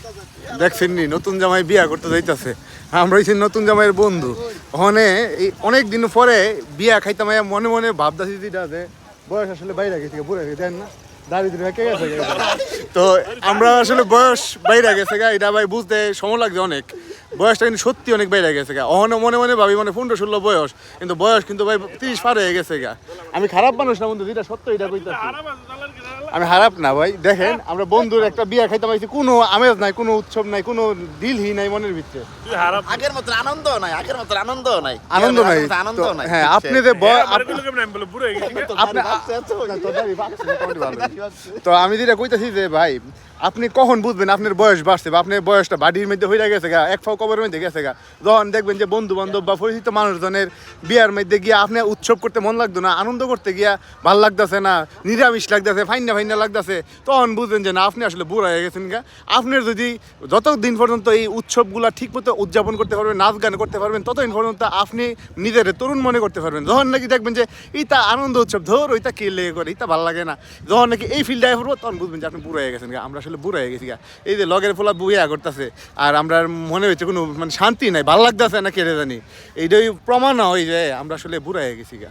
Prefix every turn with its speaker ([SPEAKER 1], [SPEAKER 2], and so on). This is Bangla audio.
[SPEAKER 1] দেখছেন নি নতুন জামাই বিয়া করতে যাইতেছে, আমরা হইছি নতুন জামাইয়ের বন্ধু। ওখানে এই অনেক দিন পরে বিয়া খাইতাম, মনে মনে ভাবতেছি যেটা যে বয়স আসলে বাইরে গেছে, বুড়ে গেছে, দেন না দাড়ি দিলে কে গেছে। তো আমরা আসলে বয়স বাইরে গেছে গা, এটা ভাই বুঝতে সময় লাগছে অনেক। বয়সটা কিন্তু সত্যি অনেক বাইরে গেছে গা। অহনো মনে মনে ভাবি মানে 15-16 বয়স, কিন্তু বয়স কিন্তু ভাই 30 পার হয়ে গেছে গা। আমি খারাপ মানুষ না বন্ধু, যেটা সত্য এটা কইতাছি। আমি খারাপ না ভাই, দেখেন আমরা বন্ধুর একটা বিয়া খাইতে পাইছি, কোনো আমেজ নাই, কোনো উৎসব নাই, কোনো দিলই নাই মনের ভিতরে।
[SPEAKER 2] আগের মতো আনন্দ নাই, আগের মতো আনন্দ নাই,
[SPEAKER 1] আনন্দ নাই,
[SPEAKER 2] আনন্দ নাই।
[SPEAKER 1] হ্যাঁ আপনি যে তো আমি যেটা কইতাছি যে ভাই আপনি কখন বুঝবেন আপনার বয়স বাড়ছে বা আপনার বয়সটা বাড়ির মধ্যে হয়ে গেছে গা, এক ফাও কবরের মধ্যে গেছে গা, যখন দেখবেন যে বন্ধু বান্ধব বা পরিচিত মানুষজনের বিয়ার মধ্যে গিয়া আপনি উৎসব করতে মন লাগতো না, আনন্দ করতে গিয়া ভাল লাগতেছে না, নিরামিষ লাগতেছে, ফাইনা ফাইনা লাগতেছে, তখন বুঝবেন যে না আপনি আসলে বুড়া হয়ে গেছেন গা। আপনার যদি যতদিন পর্যন্ত এই উৎসবগুলা ঠিক মতো উদযাপন করতে পারবেন, নাচ গান করতে পারবেন, ততদিন পর্যন্ত আপনি নিজের তরুণ মনে করতে পারবেন। যখন নাকি দেখবেন যে এইটা আনন্দ উৎসব, ধর ওইটা কে লেগে করে, এইটা ভালো লাগে না, যখন নাকি এই ফিল্ডে পড়বো তখন বুঝবেন যে আপনি বুড়ো হয়ে গেছেন গা। আমরা আসলে বুড়ো হয়ে গেছি গা, এই যে লগের ফোলা বুয়া করতেছে আর আমরা মনে হচ্ছে কোনো মানে শান্তি নাই, ভালো লাগতেছে না, কেড়ে জানি, এইটাই প্রমাণ হয় যে আমরা আসলে বুড়ো হয়ে গেছি গা।